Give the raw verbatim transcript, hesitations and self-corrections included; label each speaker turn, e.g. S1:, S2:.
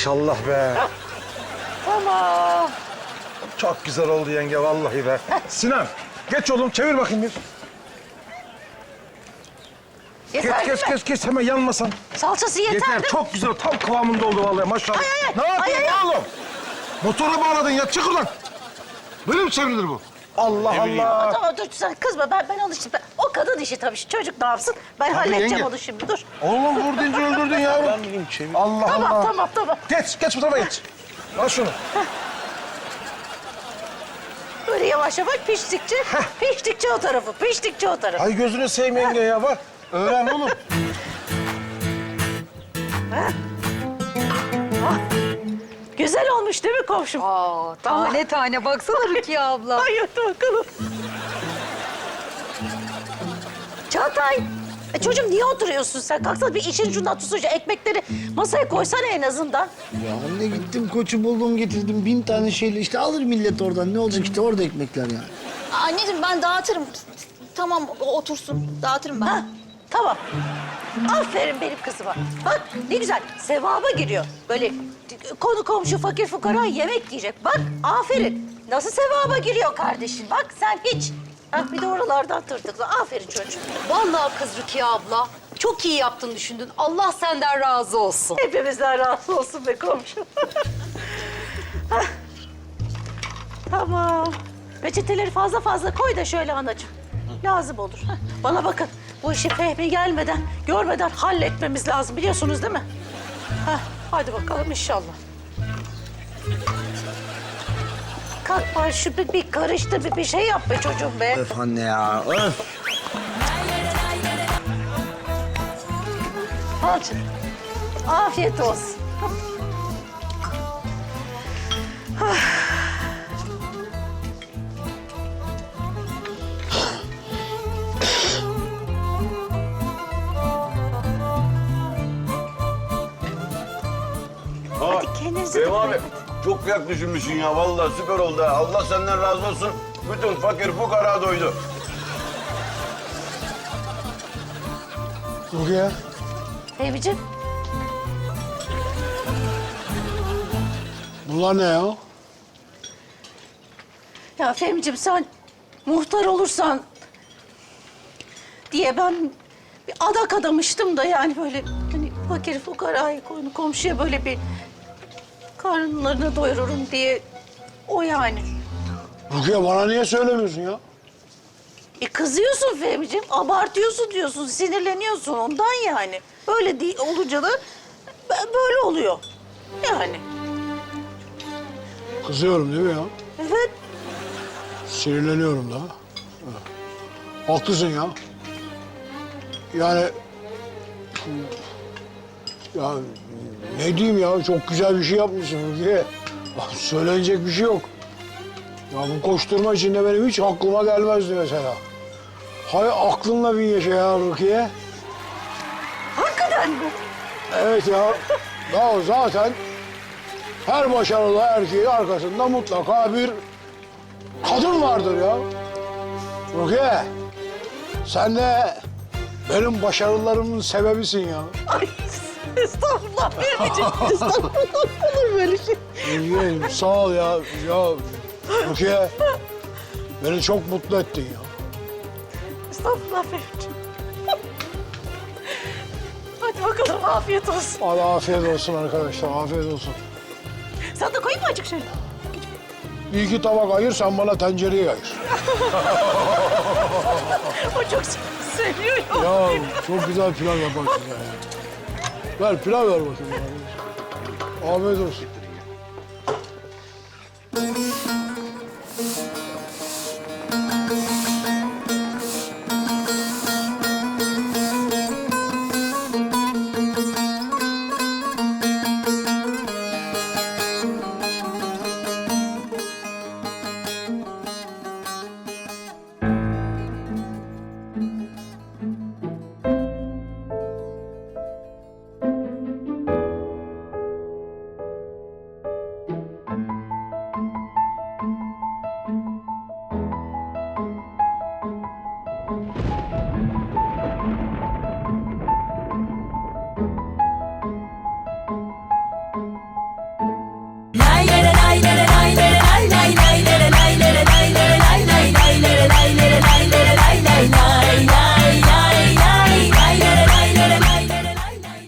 S1: maşallah be.
S2: Tamam.
S1: Çok güzel oldu yenge vallahi be. Sinan geç oğlum çevir bakayım bir. Geç
S2: Yeter
S1: geç
S2: mi?
S1: geç geç hemen yanmasan.
S2: Salçası yeter,
S1: Yeter
S2: değil mi?
S1: çok güzel tam kıvamında oldu vallahi maşallah.
S2: Ay, ay, ay.
S1: Ne yapıyorsun
S2: Ay, ay, ay.
S1: oğlum? Motora bağladın ya çık oradan. Böyle mi çevrilir bu? Allah Allah.
S2: Tamam dur sen kızma ben ben alıştım. Ben, o kadın işi tabii çocuk ne yapsın? Ben halledeceğim
S1: yenge.
S2: onu şimdi dur.
S1: Oğlum vur deyince öldürdün yavrum.
S3: Ben bileyim çevir.
S1: Allah
S2: Tamam
S1: Allah.
S2: tamam tamam.
S1: Geç geç bu tarafa geç. Al şunu.
S2: Böyle yavaş yavaş piştikçe, piştikçe o tarafı, piştikçe o tarafı.
S1: Ay gözünü seveyim yenge ya bak. Öğren oğlum.
S2: Güzel olmuş değil mi komşum?
S4: Aa, tane tane baksana Rukiye abla.
S2: Ay hadi bakalım. Çağatay. E çocuğum niye oturuyorsun sen? Kalksana bir işin şundan tutsunca ekmekleri masaya koysana en azından.
S3: Ya anne gittim koçu buldum getirdim bin tane şeyle işte alır millet oradan ne olacak işte orada ekmekler yani.
S5: Anneciğim ben dağıtırım. Tamam o otursun. Dağıtırım ben.
S2: Ha, tamam. Aferin benim kızıma. Bak ne güzel sevaba giriyor. Böyle konu komşu fakir fukara yemek yiyecek. Bak aferin. Nasıl sevaba giriyor kardeşin? Bak sen hiç. Ha, bir de oralardan tırtıkla. Aferin çocuğum.
S4: Vallahi kız Rukiye abla. Çok iyi yaptın düşündün. Allah senden razı olsun.
S2: Hepimizden razı olsun be komşu. Hah. Tamam. Peçeteleri fazla fazla koy da şöyle anacığım. Lazım olur. Hah. Bana bakın. Bu işi Fehmi gelmeden, görmeden halletmemiz lazım. Biliyorsunuz değil mi? Hah. Hadi bakalım inşallah. Kalk bari şu bir, bir karıştır, bir, bir şey yap be çocuğum be.
S3: Öf anne ya öf.
S2: Al canım. Afiyet olsun. Hadi kendinize
S6: Fehmi
S2: bakın.
S6: abi çok kıyak düşünmüşsün ya. Vallahi süper oldu ha. Allah senden razı olsun. Bütün fakir fukara doydu.
S1: Rukiye.
S2: Fehmi'ciğim.
S1: Bunlar ne ya?
S2: Ya Fehmi'ciğim sen muhtar olursan diye ben bir adak adamıştım da yani böyle hani fakir fukarayı konu komşuya böyle bir karınlarını doyururum diye o yani.
S7: Rukiye bana niye söylemiyorsun ya?
S2: E kızıyorsun Fehmi'ciğim, abartıyorsun diyorsun, sinirleniyorsun ondan yani. Öyle değil, olunca da b- böyle oluyor yani.
S7: Kızıyorum değil mi ya?
S2: Evet.
S7: Sinirleniyorum da. Evet. Haklısın ya. Yani... Ya ne diyeyim ya, çok güzel bir şey yapmışsın Rukiye. Söylenecek bir şey yok. Ya bu koşturma içinde benim hiç aklıma gelmezdi mesela. Hay aklınla bin yaşa ya Rukiye.
S2: Hakikaten mi?
S7: Evet ya. Ya zaten her başarılı erkeğin arkasında mutlaka bir kadın vardır ya. Rukiye, sen de benim başarılarımın sebebisin ya.
S2: Ay estağfurullah Fehmi'ciğim, estağfurullah olur böyle şey.
S7: Rukiye, sağ ol ya. Ya Rukiye, beni çok mutlu ettin ya.
S2: Estağfurullah Fehmi'ciğim. Hadi bakalım afiyet olsun.
S7: Hadi afiyet olsun arkadaşlar, afiyet olsun.
S2: Sen de koyayım mı acık şöyle?
S7: Bir iki tabak ayır, sen bana tencereyi ayır.
S2: O çok seviyor ya.
S7: Ya çok güzel pilav yaparsın ya. Ver pilav ver bakayım. Ya. Afiyet olsun.